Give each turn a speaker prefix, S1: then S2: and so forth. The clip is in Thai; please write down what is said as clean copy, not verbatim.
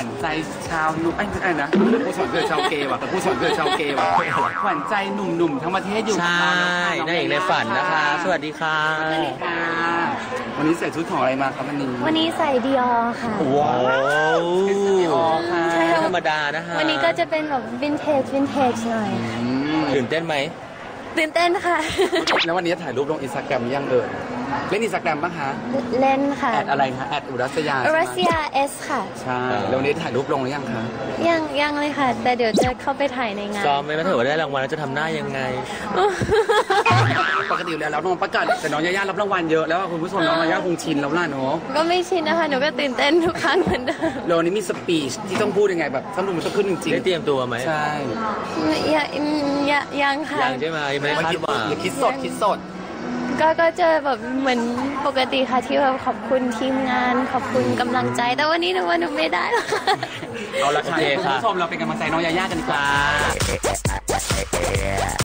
S1: ใจชาวนุ่มไม่นะผู้สอนเพื่อชาวเกย์ว่ะแต่ผู้สอนเพื่อชาวเกย์ว่ะขวัญใจหนุ่มๆทั้งประเทศอยู่กับเราแล้วค่ะ
S2: ได้เอกในฝันนะคะสวัสดีค่ะ
S1: วันนี้ใส่ชุดของอะไรมาครับวันนี้
S3: ใส่ดิออค่ะ
S2: ว้าว
S1: ดิออค่ะ
S2: ไม่ธรรมดานะคะ
S3: วันนี้ก็จะเป็นแบบวินเทจหน่อย
S2: ตื่นเต้นไหม
S3: ตื่นเต้นค่ะ
S1: แล้ววันนี้ถ่ายรูปลงอินสตาแกรมยังเล่นอินสตาแกรมป่ะคะ
S3: เล่นค่ะ
S1: แอดอะไรคะแอดอุรัสยา
S3: S ค่ะ
S1: ใช่แล้ววันนี้ถ่ายรูปลงหรือยังคะ
S3: ยังเลยค่ะแต่เดี๋ยวจะเข้าไปถ่ายในงาน
S2: ซ้อมไหมว่าถ้าเกิดได้รางวัลแล้วจะทำหน้ายังไง
S1: ปกติแล้วน้องประกาศแต่น้องย่ารับรางวัลเยอะแล้วคุณผู้ชมน้องย่าคงชินแล้วล่ะเนาะ
S3: ก็ไม่ชินนะคะหนูก็ตื่นเต้นทุกครั้งเหมือนเดิม
S1: แล้ววันนี้มีสปีชที่ต้องพูดยังไงแบบสนุกมันต้องขึ้นจริงๆ
S2: ได้เตรียมตัวไหม
S1: ใช่
S3: ยังค่ะ
S2: ยังใช่ไหมไม่คาดหวัง
S1: อย่าคิดสด
S3: ก็เจอแบบเหมือนปกติค่ะที่แบบขอบคุณทีมงานขอบคุณกำลังใจแต่วันนี้หนูว่าหนูไม่ได้หรอกค่ะ
S1: เอาละค่ะคุณผู้ชมเราเป็นกำลังใจน้องย่ากันดีกว่า